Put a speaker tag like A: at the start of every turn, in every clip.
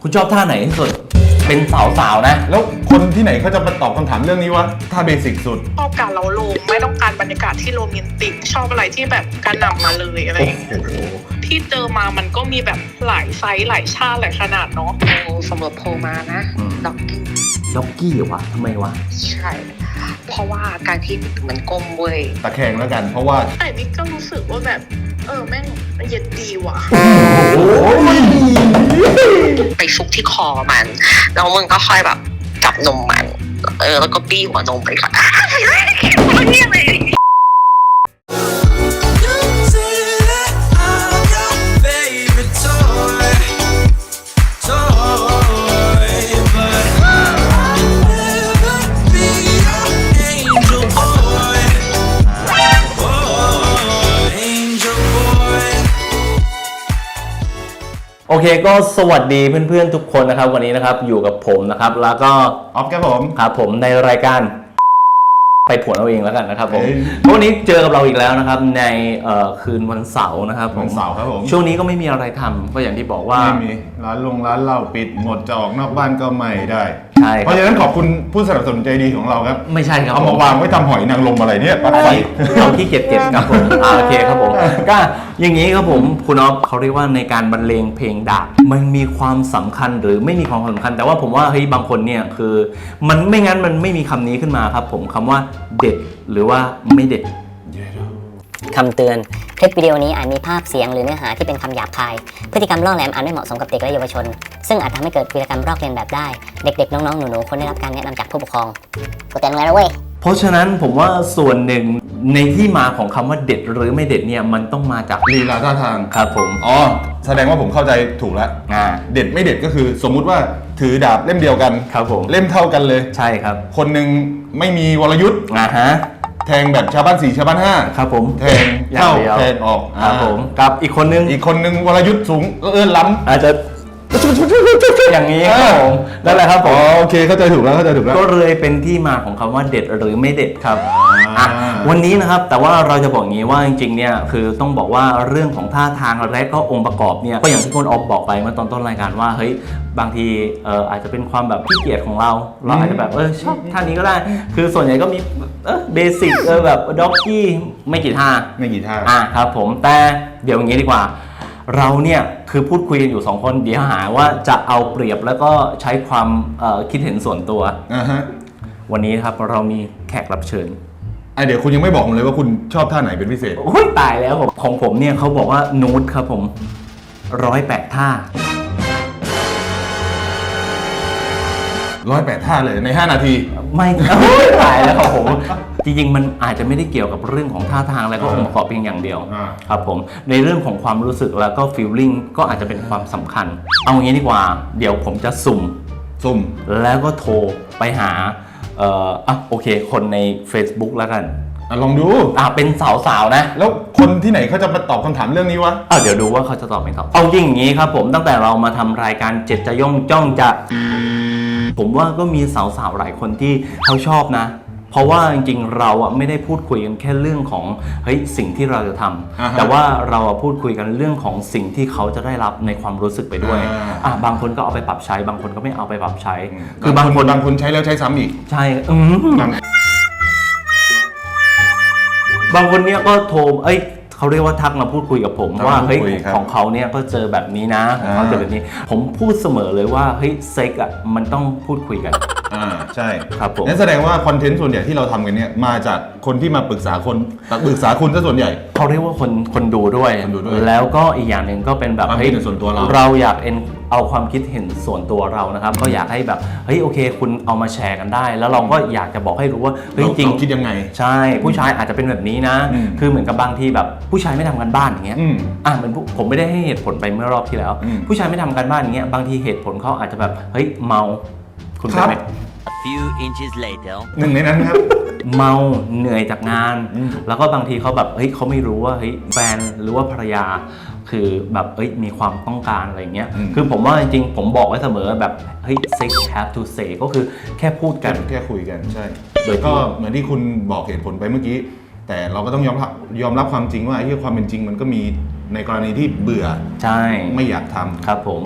A: คุณชอบท่าไหนที่สุดเป็นสาวๆนะ
B: แล้วคนที่ไหนเขาจะมาตอบคำถามเรื่องนี้วะท่าเบสิกสุด
C: ชอบการเล้าโลมไม่ต้องการบรรยากาศที่โรแมนติกชอบอะไรที่แบบกระหน่ำมาเลยอะไรอย่างเงี้ยที่เจอมามันก็มีแบบหลายไซส์หลายชาติหลายขนาดเนาะสำหรับโพมานะ
A: ด็อกกี้เหรอวะทำไมวะ
C: ใช่เพราะว่าการที่มันก้มเว้ย
B: ตะแคงแล้วกันเพราะว่า
C: แต่นี่ก็รู้สึกว่าแบบแม่งเย็นดีว่ะไปซุกที่คอมันแล้วมึงก็ค่อยแบบจับนมมันแล้วก็บี้หัวนมไปก่อนนี่อะไร
A: โอเคก็สวัสดีเพื่อนๆทุกคนนะครับวันนี้นะครับอยู่กับผมนะครับแล้วก็
B: ออฟครับผม
A: ครับผมในรายการไปผวนเอาเองแล้วกันนะครับผมวันนี้เจอกับเราอีกแล้วนะครับในคืนวันเสาร์นะครับ
B: วันเสาร์ครับผม
A: ช่วงนี้ก็ไม่มีอะไรทำก็อย่างที่บอกว่า
B: ไม่มีร้านเหล้าปิดหมดจะออกนอกบ้านก็ไม่ได้
A: ใช่
B: เพราะฉะนั้นขอบคุณผู้สนับสนุนใจดีของเราครับ
A: ไม่ใช่ครับ
B: เอามาวางไว้ทำหอยนางรมอะไรเนี่ยปลาไฟ
A: เราที่เก็บครับผมโอเคครับผมก็อย่างนี้ครับผมคุณอ๊อฟเขาเรียกว่าในการบรรเลงเพลงดาบมันมีความสำคัญหรือไม่มีความสำคัญแต่ว่าผมว่าเฮ้ยบางคนเนี่ยคือมันไม่งั้นมันไม่มีคำนี้ขึ้นมาครับผมคำว่าเด็ดหรือว่าไม่เด็ด
D: คำเตือนคลิปวิดีโอนี้อาจมีภาพเสียงหรือเนื้อหาที่เป็นคำหยาบคายพฤติกรรมล่อแหลมอาจไม่เหมาะสมกับเด็กและเยาวชนซึ่งอาจทำให้เกิดวีรกรรมลอกเลียนแบบได้เด็กๆน้องๆหนูๆควรได้รับการแนะนำจากผู้ปกครองกูเตือนมึงแล้วเว้ย
A: เพราะฉะนั้นผมว่าส่วนหนึ่งในที่มาของคำว่าเด็ดหรือไม่เด็ดเนี่ยมันต้องมาจาก
B: ลีลาท่าทาง
A: ครับผม
B: แสดงว่าผมเข้าใจถูกแล้วเด็ดไม่เด็ดก็คือสมมุติว่าถือดาบเล่มเดียวกัน
A: ครับผม
B: เล่มเท่ากันเลย
A: ใช่ครับ
B: คนหนึ่งไม่มีวรยุทธ์แทงแบบชาวบ้าน4ชาวบ้าน5
A: ครับผม
B: แทงเข้าแทงออก
A: ครับผมกับอีกคนนึง
B: วรยุทธ์สูงล้ำ
A: อาจจะอย่างนี้ครับผมนั่นแหละครับผม
B: โอเคเข้าใจถูกแล้ว
A: ก็เลยเป็นที่มาของคำว่าเด็ดหรือไม่เด็ดครับวันนี้นะครับแต่ว่าเราจะบอกงี้ว่าจริงๆเนี่ยคือต้องบอกว่าเรื่องของท่าทางและก็องค์ประกอบเนี่ยก็อย่างที่คุณออฟบอกไปเมื่อตอนต้นรายการว่าเฮ้ยบางทีอาจจะเป็นความแบบขี้เกียจของเราอาจจะแบบชอบท่านี้ก็ได้คือส่วนใหญ่ก็มีเบสิกแบบด็อกกี้ไม่กี่ท่าครับผมแต่เดี๋ยวอย่างนี้ดีกว่าเราเนี่ยคือพูดคุยกันอยู่2คนเดี๋ยวหาว่าจะเอาเปรียบแล้วก็ใช้ความคิดเห็นส่วนตัววันนี้ครับเรามีแขกรับเชิญ
B: เดี๋ยวคุณยังไม่บอกผมเลยว่าคุณชอบท่าไหนเป็นพิเศษ
A: โอ้ยตายแล้วของผมเนี่ยเขาบอกว่านูดครับผม108 ท่า
B: 108 ท่าเลยใน5 นาที
A: ไม่ตายแล้วครับผมจริงๆมันอาจจะไม่ได้เกี่ยวกับเรื่องของท่าทางแล้วก็องค์ประกอบเพียงอย่างเดียวครับผมในเรื่องของความรู้สึกแล้วก็ฟีลลิ่งก็อาจจะเป็นความสำคัญเอางี้ดีกว่าเดี๋ยวผมจะสุ่มแล้วก็โทรไปหาโอเคคนใน Facebook แล้วกัน
B: ลองดู
A: เป็นสาวๆนะ
B: แล้วคนที่ไหนเขาจะมาตอบคำถามเรื่องนี้วะ
A: เดี๋ยวดูว่าเขาจะตอบไม่ตอบเอาจริงอย่างนี้ครับผมตั้งแต่เรามาทำรายการเจ็ดจะย่องจ้องจะผมว่าก็มีสาวๆหลายคนที่เขาชอบนะเพราะว่าจริงๆเราไม่ได้พูดคุยกันแค่เรื่องของเฮ้ยสิ่งที่เราจะทำแต่ว่าเราพูดคุยกันเรื่องของสิ่งที่เขาจะได้รับในความรู้สึกไปด้วยบางคนก็เอาไปปรับใช้บางคนก็ไม่เอาไปปรับใช้
B: คือบางคนใช้แล้วใช้ซ้ำอีก
A: ใช่บางคนเนี่ยก็โทรเขาเรียกว่าทักมาพูดคุยกับผมว่าเฮ้ยของเขาเนี่ยก็เจอแบบนี้นะของเขาเจอแบบนี้ผมพูดเสมอเลยว่าเฮ้ยเซ็กมันต้องพูดคุยกัน
B: ใช่
A: ครับผม
B: นั่นแสดงว่าคอนเทนต์ส่วนใหญ่ที่เราทำกันเนี่ยมาจากคนที่มาปรึกษาคุณซะส่วนใหญ่
A: เขาเรียกว่าคนดูด้วยแล้วก็อีกอย่างหนึ่งก็เป็นแบบ
B: ความคิดเห็นส่วนตัว
A: เราอยากเอาความคิดเห็นส่วนตัวเรานะครับก็อยากให้แบบเฮ้ยโอเคคุณเอามาแชร์กันได้แล้วเราก็อยากจะบอกให้รู้ว่าเฮ้ยจริง
B: คิดยังไง
A: ใช่ผู้ชายอาจจะเป็นแบบนี้นะคือเหมือนกับบางทีแบบผู้ชายไม่ทำกันบ้านอย่างเงี้ยเหมือนผมไม่ได้ให้เหตุผลไปเมื่อรอบที่แล้วผู้ชายไม่ทำกันบ้านอย่างเงี้ยบางทีเหตุผลเขาอาจจะแบบเฮ้ยเมาคุณเป็นไหม
D: few inches later
B: หนึ่งในนั้นครับ
A: เมาเหนื่อยจากงานแล้วก็บางทีเขาแบบเฮ้ยเขาไม่รู้ว่าเฮ้ยแฟนหรือว่าภรรยาคือแบบมีความต้องการอะไรเงี้ยคือผมว่าจริงๆผมบอกไว้เสมอแบบเฮ้ย sex have to say ก็คือแค่พูดกัน
B: แค่คุยกันใช่โดยก็เหมือนที่คุณบอกเหตุผลไปเมื่อกี้แต่เราก็ต้องยอมรับความจริงว่าไอ้ความเป็นจริงมันก็มีในกรณีที่เบื่อ
A: ใช่
B: ไม่อยากทำ
A: ครับผม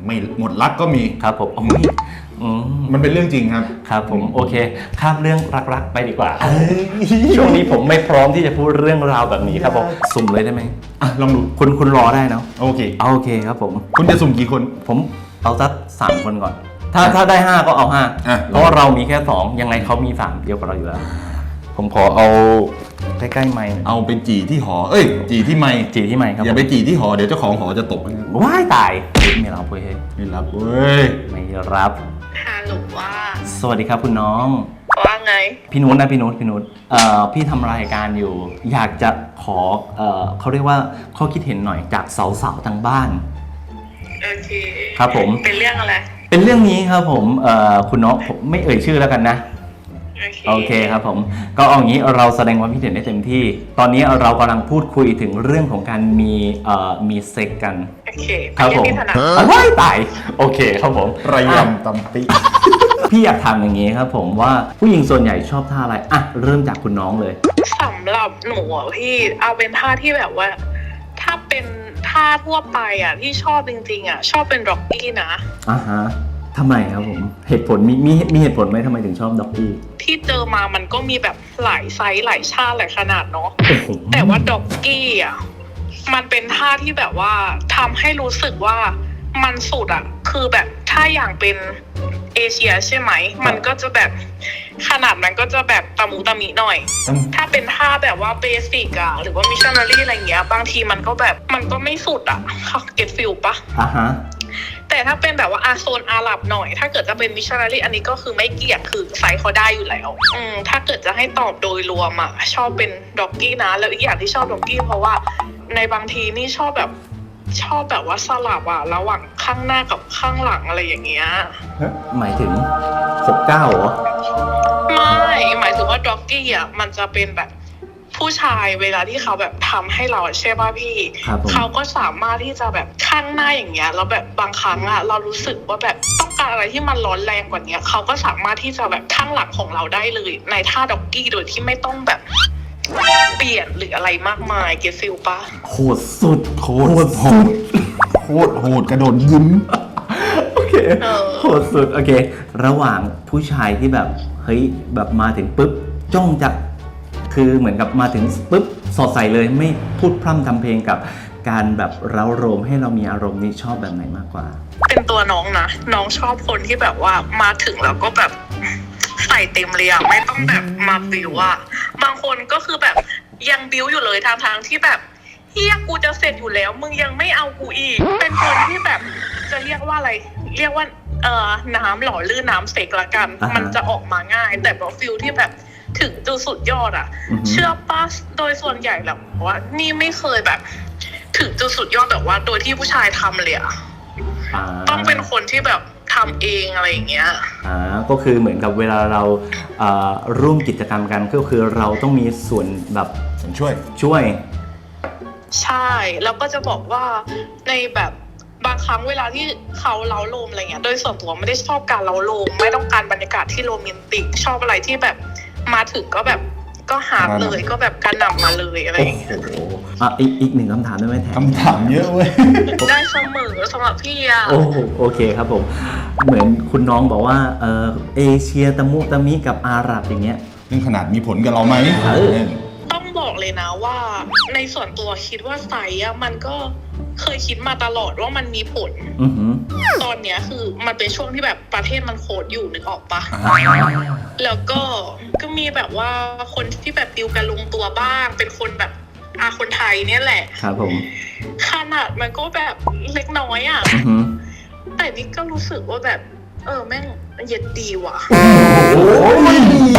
B: ไม่หมดรักก็มี
A: ครับผมโอ้ยอืม
B: มันเป็นเรื่องจริงครับ
A: ครับผมโอเคข้ามเรื่องรักๆไปดีกว่า ช่วงนี้ผมไม่พร้อมที่จะพูดเรื่องราวแบบนี้ครับผมสุ่มเลยได้ไหม
B: อ่ะลองดู
A: คุณรอได้เนาะ
B: โอเค
A: เอาโอเคครับผม
B: คุณจะสุ่มกี่คน
A: ผมเอาสัก3 คนก่อน ถ้าได้ 5 ก็เอา
B: อ่ะ
A: 5เพราะว่าเรามีแค่ 2 ยังไงเขามี3เดียวกับเราอยู่แล้ว ผมขอเอาใกล้ๆไมค์หน่อย
B: เอาไปจี่ที่หอ เอ้ย จี่ที่ไมค์
A: จีที่ไมค์ครับ
B: อย่าไปจี่ที่หอ เดี๋ยวเจ้าของหอจะตกนะครับ
A: ว้ายตายไม่รับเว้ย
B: ไม่รับเว้ย
A: ไม่รับ
C: ฮัลโหลว่า
A: สวัสดีครับคุณน้อง
C: ว่าไง
A: พี่นุชนะพี่นุชพี่ทำรายการอยู่ อยากจะขอเขาเรียกว่าข้อคิดเห็นหน่อยจากสาวๆทางบ้าน
C: โอเค
A: ครับผม
C: เป็นเรื่องอะไร
A: เป็นเรื่องนี้ครับผมคุณน้องผมไม่เอ่ยชื่อแล้วกันนะ โอเคครับผมก็เอาอย่างนี้เราแสดงความคิดเห็นได้เต็มที่ ตอนนี้เรากำลังพูดคุยถึงเรื่องของการมีเซ็กกัน
C: โอเค
A: ครับผม
C: เป็นเรื่องที่ถนัด
A: ว้ายตายโอเคครับผม
B: ระ
A: อ่ะ
B: ยำตำปิ
A: พี่อยากถามอย่างนี้ครับผมว่าผู้หญิงส่วนใหญ่ชอบท่าอะไรอ่ะเริ่มจากคุณน้องเลย
C: สำหรับหนูอ่ะพี่เอาเป็นท่าที่แบบว่า ถ้าเป็นท่าทั่วไปอ่ะที่ชอบจริงๆอ่ะชอบเป็นร็อกกี้นะ
A: อ่าฮะทำไมครับผมเหตุผลมีเหตุผลไหมทำไมถึงชอบด็อกกี้
C: ที่เจอมามันก็มีแบบหลายไซส์หลายชาติหลายขนาดเนาะ
A: โอ้โห
C: แต่ว่าด็อกกี้อ่ะมันเป็นท่าที่แบบว่าทำให้รู้สึกว่ามันสุดอ่ะคือแบบถ้าอย่างเป็นเอเชียใช่ไหมมันก็จะแบบขนาดมันก็จะแบบตะมูตะมิหน่อย ถ้าเป็นท่าแบบว่าเบสิกอะหรือว่ามิชชันนารีอะไรเงี้ยบางทีมันก็แบบมันก็ไม่สุดอะเก็ตฟิลปะ
A: อ่าฮะ
C: แต่ถ้าเป็นแบบว่าโซนอาหรับหน่อย ถ้าเกิดจะเป็นมิชชันนารีอันนี้ก็คือไม่เกี่ยงคือไซส์เขาได้อยู่แล้วถ้าเกิดจะให้ตอบโดยรวมอะชอบเป็นด็อกกี้นะแล้วอีกอย่างที่ชอบด็อกกี้เพราะว่าในบางทีนี่ชอบแบบว่าสลับอะระหว่างข้างหน้ากับข้างหลังอะไรอย่างเงี้ย
A: หมายถึง69เหรอ
C: ไม่หมายถึงว่าด็อกกี้อ่ะมันจะเป็นแบบผู้ชายเวลาที่เขาแบบทำให้เราใช่ป่ะพี่
A: ครับผม
C: เขาก็สามารถที่จะแบบข้างหน้าอย่างเงี้ยแล้วแบบบางครั้งอ่ะเรารู้สึกว่าแบบต้องการอะไรที่มันร้อนแรงกว่านี้เขาก็สามารถที่จะแบบข้างหลังของเราได้เลยในท่าด็อกกี้โดยที่ไม่ต้องแบบเปลี่ยนหรืออะไรมากมายเก็ตฟิลปะ
A: โหดสุด
B: โคตรโหดโคตรโหดกระโดดยิ้ม
A: โอเคโหดสุดโอเค ระหว่างผู้ชายที่แบบเฮ้ยแบบมาถึงปุ๊บจ้องจะคือเหมือนกับมาถึงปุ๊บสอดใส่เลยไม่พูดพร่ำทำเพลงกับการแบบเร้าโรมให้เรามีอารมณ์นี่ชอบแบบไหนมากกว่า
C: เป็นตัวน้องนะน้องชอบคนที่แบบว่ามาถึงแล้วก็แบบใส่เต็มเลยอะไม่ต้องแบบมาบิวอะบางคนก็คือแบบยังบิวอยู่เลยทางที่แบบเฮียกูจะเสร็จอยู่แล้วมึงยังไม่เอากูอีก เป็นคนที่แบบจะเรียกว่าอะไร เรียกว่าน้ำหล่อลื่นน้ำเสกละกัน
A: อ่าฮะ
C: มันจะออกมาง่าย แต่แบบฟิลที่แบบถึงจุดสุดยอดอะ
A: อือฮึ
C: เชื่อป้าโดยส่วนใหญ่แล้วว่านี่ไม่เคยแบบ ถึงจุดสุดยอดแบบว่าโดยที่ผู้ชายทำเลยอะ
A: า
C: ต้องเป็นคนที่แบบทำเองอะไรอย่างเงี้ย
A: ก็คือเหมือนกับเวลาเราร่วมกิจกรรมกันก็คือเราต้องมีส่วนแบบ
B: ผมช่วย
A: ช่วย
C: ใช่ แล้วก็จะบอกว่าในแบบบางครั้งเวลาที่เขาเล้าโลมอะไรเงี้ย โดยส่วนตัวไม่ได้ชอบการเล้าโลม ไม่ต้องการบรรยากาศที่โรแมนติก ชอบอะไรที่แบบมาถึงก็แบบก็หาเลยก็แบบกระหน่ำมาเลยอะไรอย่างเงี้ย
B: โอ้โห
A: อีกหนึ่งคำถามได้ไหมแทน
B: คำถามเยอะเว้ย
C: ได้เสมอสำหรับพี่อะ
A: โอเคครับผม เหมือนคุณน้องบอกว่าเอเชียตะมุตะมิกับอาหรับอย่างเงี้ย
B: นี่ขนาดมีผลกับเราไหม
C: ต้องบอกเลยนะว่าในส่วนตัวคิดว่าไซส์อะมันก็เคยคิดมาตลอดว่ามันมีผล
A: อือหือ
C: ตอนเนี้ยคือมันเป็นช่วงที่แบบประเทศมันโคตรอยู่นึกออกปะ
B: อ่า
C: แล้วก็มีแบบว่าคนที่แบบดิวกันลงตัวบ้าง เป็นคนแบบคนไทยเนี่ยแหละ
A: ครับผม
C: ขนาดมันก็แบบเล็กน้อยอ่ะ
A: อือหือ
C: แต่นี่ก็รู้สึกว่าแบบแม่งเย็ดดีว่ะ
B: โอ้ย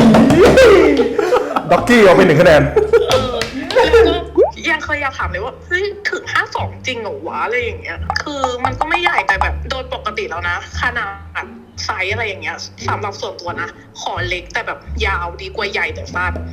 B: ด็อกกี้เอาไป1 คะแนน
C: แล้วก็ยังเคยอยากถามเลยว่าเฮ้ยถึง52จริงเหรอวะอะไรอย่างเงี้ย คือมันก็ไม่ใหญ่แต่แบบโดยปกติแล้วนะขนาดไซส์อะไรอย่างเงี้ยสำหรับส่วนตัวนะขอเล็กแต่แบบยาวดีกว่าใหญ่แต่สั้น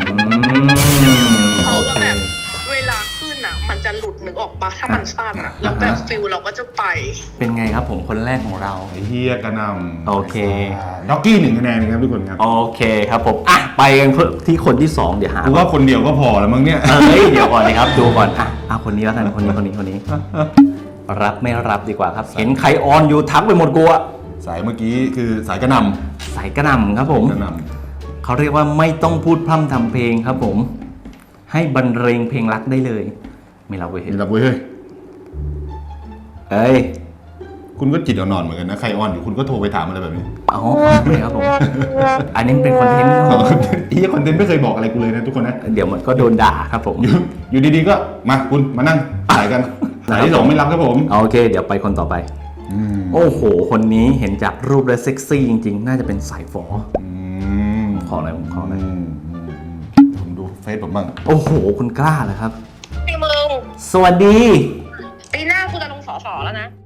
C: เพราะว่าแบบเวลาขึ้นอ่ะ มันจะหลุดนึกออกปะถ้ามันสั้นอ่ะ แล้วแบบฟิลเราก็จะไป
A: เป็นไงครับผมคนแรกของเรา
B: ไอ้เฮียกระหนำ
A: โอเค
B: ด็อกกี้1 คะแนนครับทุกคนครับ
A: โอเคครับผมอ่ะไปกันที่คนที่ 2 เดี๋ยวหา
B: กูว่าคนเดียวก็พอแล้วมั้งเนี่ย
A: เดี๋ยวก่อนนะครับดูก่อนอ่ะคนนี้แล้วกันคนนี้รับไม่รับดีกว่าครับ เห็นใครออนอยู่ทักไปหมดกูอะ
B: สายเมื่อกี้คือสายกระหน
A: สายกระหน่ำครับผม
B: ำกระหน
A: เขาเรียกว่าไม่ต้องพูดพร่ำทำเพลงครับผม ให้บรรเลงเพลงรักได้เลย ไม่รับเว้ย
B: ำนี่รับเว้ยเฮ้ย
A: เอ้ย
B: คุณก็จิตอ่อนๆเหมือนกันนะใครออนอยู่คุณก็โทรไปถามอะไรแบบนี้
A: อ๋อไม่ครับผม อันนี้เป็นคอนเทนต์ครับผม
B: อีคอนเทนต์ไม่เคยบอกอะไรกูเลยนะทุกคนนะ
A: เดี๋ยวมันก็โดนด่าครับผม
B: อยู่ดีๆก็มาคุณมานั่งสายกันสายที่สองไม่รับครับผม
A: โอเค เดี๋ยวไปคนต่อไป โอ้โห คนนี้เห็นจากรูปแล้วเซ็กซี่จริงๆ น่าจะเป็นสายฝอ ขออะไรผมขออะไร
B: ผมดูเฟซผมบ้าง
A: โอ้โห คุณกล้าเหรอครับ
C: ไอ้มึง
A: สวัสดี
C: ปีหน้ากูจะลงสสแล้วนะ